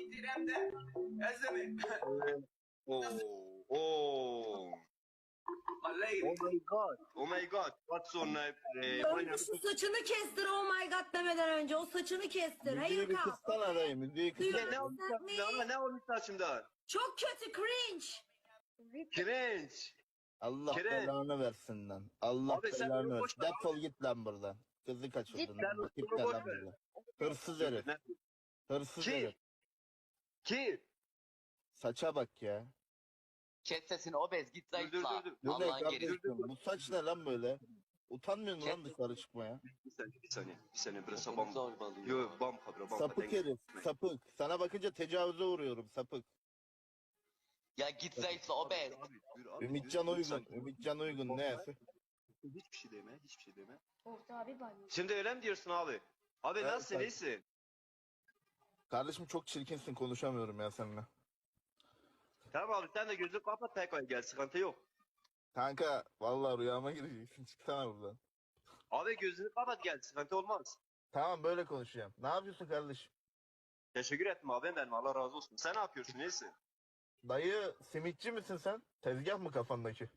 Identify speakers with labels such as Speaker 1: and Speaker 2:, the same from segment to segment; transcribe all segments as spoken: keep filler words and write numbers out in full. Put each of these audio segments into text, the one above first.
Speaker 1: İtiremde. Ezemi.
Speaker 2: Oh, oh.
Speaker 1: My lady.
Speaker 2: Oh my god. Oh my god. What's your name? Eh,
Speaker 3: Önce şu saçını kestir oh my god demeden önce. O saçını kestir. Hayır
Speaker 4: Müziği bir
Speaker 3: kal.
Speaker 4: kıssana dayı, müziği
Speaker 3: Duyuyor
Speaker 4: kıssana.
Speaker 2: ne olmuş
Speaker 3: musun
Speaker 2: saçımda?
Speaker 3: me?
Speaker 2: Ne olmuş saçımda?
Speaker 3: Çok kötü cringe.
Speaker 2: Cringe.
Speaker 4: Allah
Speaker 2: Kire.
Speaker 4: belanı versin lan. Allah
Speaker 2: Abi sen
Speaker 4: belanı
Speaker 2: bunu boş
Speaker 4: versin.
Speaker 2: ver
Speaker 4: Defol git lan buradan. Kızı kaçırdın.
Speaker 2: Sen
Speaker 4: lan.
Speaker 2: bunu
Speaker 4: Git
Speaker 2: boş
Speaker 4: lan
Speaker 2: ver.
Speaker 4: buradan. Hırsız herif.
Speaker 2: Ne?
Speaker 4: Hırsız
Speaker 2: Kim?
Speaker 4: herif.
Speaker 2: Kim?
Speaker 4: Saça bak ya.
Speaker 5: Kes sesini obez git
Speaker 2: Dur dur
Speaker 5: zayıfla.
Speaker 2: dur. dur.
Speaker 4: Bu ne
Speaker 5: Allah'ın gerisi.
Speaker 4: kardeşim? Bu saç ne lan böyle? Utanmıyor musun lan
Speaker 5: Kes-
Speaker 4: dışarı çıkmaya?
Speaker 2: Bir saniye bir saniye. Bir saniye burası
Speaker 5: Beni
Speaker 2: bam.
Speaker 5: zorbalıyor.
Speaker 2: Yo bam kabra bam.
Speaker 4: Sapık herif. Sapık. Sana bakınca tecavüze uğruyorum sapık.
Speaker 5: Ya git zayıfla obez.
Speaker 2: Abi, dur abi,
Speaker 4: Ümitcan
Speaker 2: dur, dur,
Speaker 4: Uygun.
Speaker 2: sakin.
Speaker 4: Ümitcan Uygun ne?
Speaker 2: Hiçbir şey deme, hiçbir şey deme.
Speaker 6: Orta abi banyo.
Speaker 2: Şimdi öyle mi diyorsun abi? Abi
Speaker 4: Evet,
Speaker 2: nasılsın,
Speaker 4: tabii.
Speaker 2: iyisin?
Speaker 4: Kardeşim çok çirkinsin, konuşamıyorum ya seninle.
Speaker 2: Tamam abi sen de gözünü kapat tekrar gel, sıkıntı yok.
Speaker 4: Kanka vallahi rüyama gireceksin. Çıksana buradan.
Speaker 2: Abi gözünü kapat gel, sıkıntı olmaz.
Speaker 4: Tamam böyle konuşacağım. Ne yapıyorsun kardeşim?
Speaker 2: Teşekkür ettim abi benim, Allah razı olsun. Sen ne yapıyorsun, iyisin?
Speaker 4: Dayı simitçi misin sen? Tezgah mı kafandaki?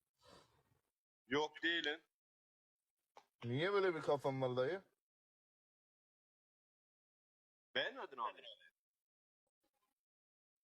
Speaker 2: Yok değilim.
Speaker 4: Niye böyle bir kafan var dayı?
Speaker 2: Beğenmedin abi.